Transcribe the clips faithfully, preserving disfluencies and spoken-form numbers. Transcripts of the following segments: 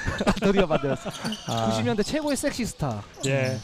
안토니오 반데라스. 아. 구십 년대 최고의 섹시 스타. 예.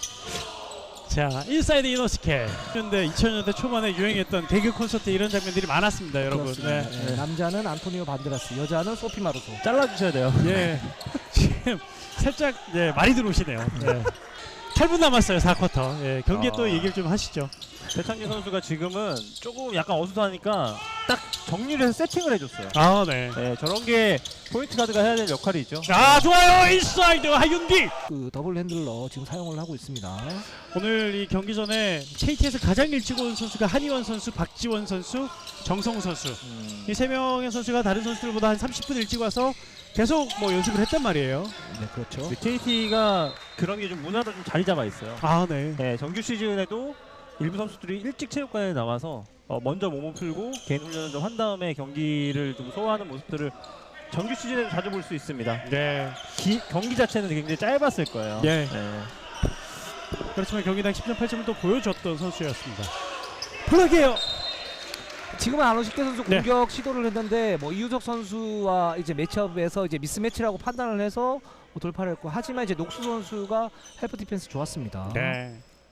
자, 인사이드 이노스케. 근데 이천 년대 초반에 유행했던 개그 콘서트 이런 장면들이 많았습니다, 여러분. 그렇습니다. 네. 예, 남자는 안토니오 반데라스, 여자는 소피 마루소. 잘라주셔야 돼요. 예. 지금 살짝 예, 많이 들어오시네요. 예. 팔 분 남았어요, 사 쿼터. 예, 경기에 아. 또 얘기를 좀 하시죠. 배창기 선수가 지금은 조금 약간 어수선하니까 딱 정리를 해서 세팅을 해줬어요. 아, 네. 네, 저런 게 포인트 가드가 해야 될 역할이죠. 아, 좋아요. 인사이드 하윤기. 그 더블 핸들러 지금 사용을 하고 있습니다. 오늘 이 경기 전에 케이티에서 가장 일찍 온 선수가 한희원 선수, 박지원 선수, 정성우 선수. 음. 이 세 명의 선수가 다른 선수들보다 한 삼십 분 일찍 와서 계속 뭐 연습을 했단 말이에요. 네, 그렇죠. 케이티가 그런 게 좀 문화로 좀 자리 잡아 있어요. 아, 네. 네, 정규 시즌에도 일부 선수들이 일찍 체육관에 나와서 어, 먼저 몸을 풀고 개인 훈련을 좀 한 다음에 경기를 좀 소화하는 모습들을 정규 시즌에도 자주 볼 수 있습니다. 네. 기, 경기 자체는 굉장히 짧았을 거예요. 예. 네. 그렇지만 경기당 십 점 팔 점을 또 보여줬던 선수였습니다. 플러그예요. 지금은 안호식대 선수 네. 공격 시도를 했는데 뭐 이우석 선수와 이제 매치업에서 이제 미스매치라고 판단을 해서 뭐 돌파를 했고, 하지만 이제 녹수 선수가 헬프 디펜스 좋았습니다. 네.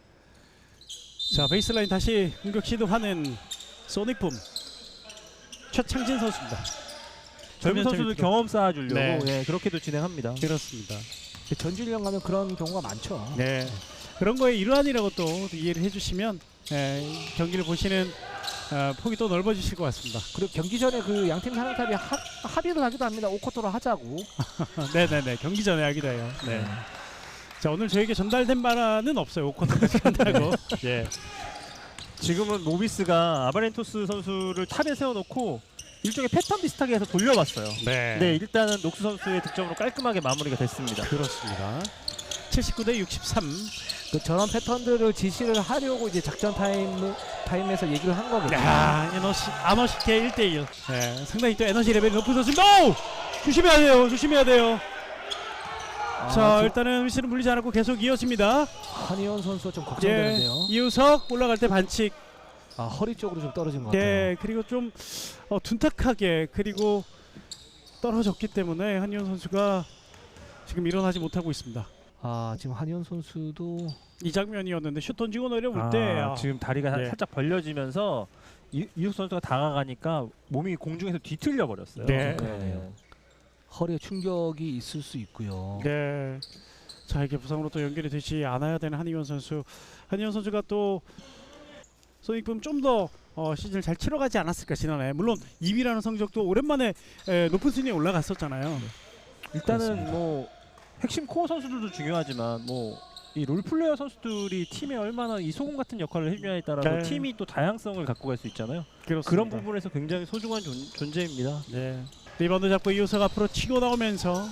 자, 베이스라인 다시 공격 시도하는 소닉붐 최창진 선수입니다. 젊은 선수들 경험 쌓아주려고 네. 예, 그렇게도 진행합니다. 그렇습니다. 전주일령 가면 그런 경우가 많죠. 네. 그런 거에 일환이라고 또 이해를 해주시면 예, 경기를 보시는 어, 폭이 또 넓어지실 것 같습니다. 그리고 경기 전에 그 양팀 사령탑이 하, 합의를 하기도 합니다. 오 쿼터로 하자고. 네네네. 경기 전에 하기도 해요. 네. 자, 오늘 저에게 전달된 바는 없어요. 오 쿼터까지 한다고. 예. 지금은 모비스가 아바렌토스 선수를 탑에 세워놓고 일종의 패턴 비슷하게 해서 돌려봤어요. 네. 네, 일단은 녹수 선수의 득점으로 깔끔하게 마무리가 됐습니다. 그렇습니다. 칠십구 대 육십삼. 그 저런 패턴들을 지시를 하려고 이제 작전 타임 타임에서 얘기를 한 거겠죠. 야, 에너시 아너시케 일 대 일. 네, 상당히 또 에너지 레벨이 높은 선수입니다. 오! 조심해야 돼요. 조심해야 돼요. 아, 자, 저- 일단은 위치는 불리지 않았고 계속 이어집니다. 한희원 선수가 좀 예. 걱정되는데요. 이우석 올라갈 때 반칙. 아, 허리 쪽으로 좀 떨어진 것 같아요. 네, 그리고 좀 어, 둔탁하게 그리고 떨어졌기 때문에 한희원 선수가 지금 일어나지 못하고 있습니다. 아, 지금 한희원 선수도 이 장면이었는데 슛 던지고 내려올 아, 때 아, 지금 다리가 네. 살짝 벌려지면서 이, 이욱 선수가 다가가니까 몸이 공중에서 뒤틀려 버렸어요. 네. 그러네요. 허리에 충격이 있을 수 있고요. 네. 자, 이게 부상으로 또 연결이 되지 않아야 되는 한희원 선수. 한희원 선수가 또 소닉붐 좀 더 어, 시즌을 잘 치러가지 않았을까 지난해. 물론 이 위라는 성적도 오랜만에 에, 높은 순위에 올라갔었잖아요. 일단은 그렇습니다. 뭐 핵심 코어 선수들도 중요하지만 뭐 이 롤플레이어 선수들이 팀에 얼마나 이 소금 같은 역할을 해주냐에 따라서 네. 팀이 또 다양성을 갖고 갈 수 있잖아요. 그렇습니다. 그런 부분에서 굉장히 소중한 존, 존재입니다. 네. 리바운드 잡고 이우석 앞으로 치고 나오면서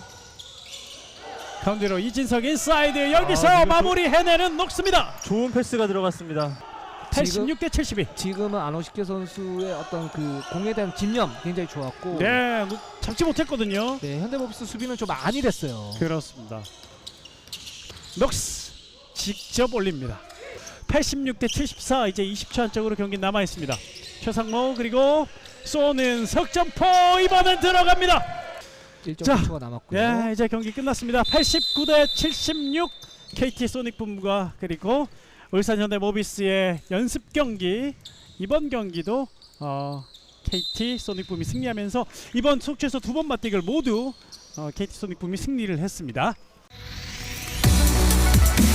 가운데로 이진석 인사이드 여기서 아, 마무리 해내는 녹습니다. 좋은 패스가 들어갔습니다. 팔십육 대 칠십이. 지금은 안호식계 선수의 어떤 그 공에 대한 집념 굉장히 좋았고, 네, 노- 잡지 못했거든요. 네, 현대모비스 수비는 좀 안일했어요. 그렇습니다. 녹스 직접 올립니다. 팔십육 대 칠십사. 이제 이십 초 안쪽으로 경기 남아 있습니다. 최상모 그리고 쏘는 석점포 이번엔 들어갑니다. 일 점 자, 오 초가 남았고요. 예, 이제 경기 끝났습니다. 팔십구 대 칠십육. 케이티 소닉붐과 그리고 울산 현대모비스의 연습 경기. 이번 경기도 어, 케이티 소닉붐이 승리하면서 이번 속초에서 두 번 맞대결 모두 어, 케이티 소닉붐이 승리를 했습니다.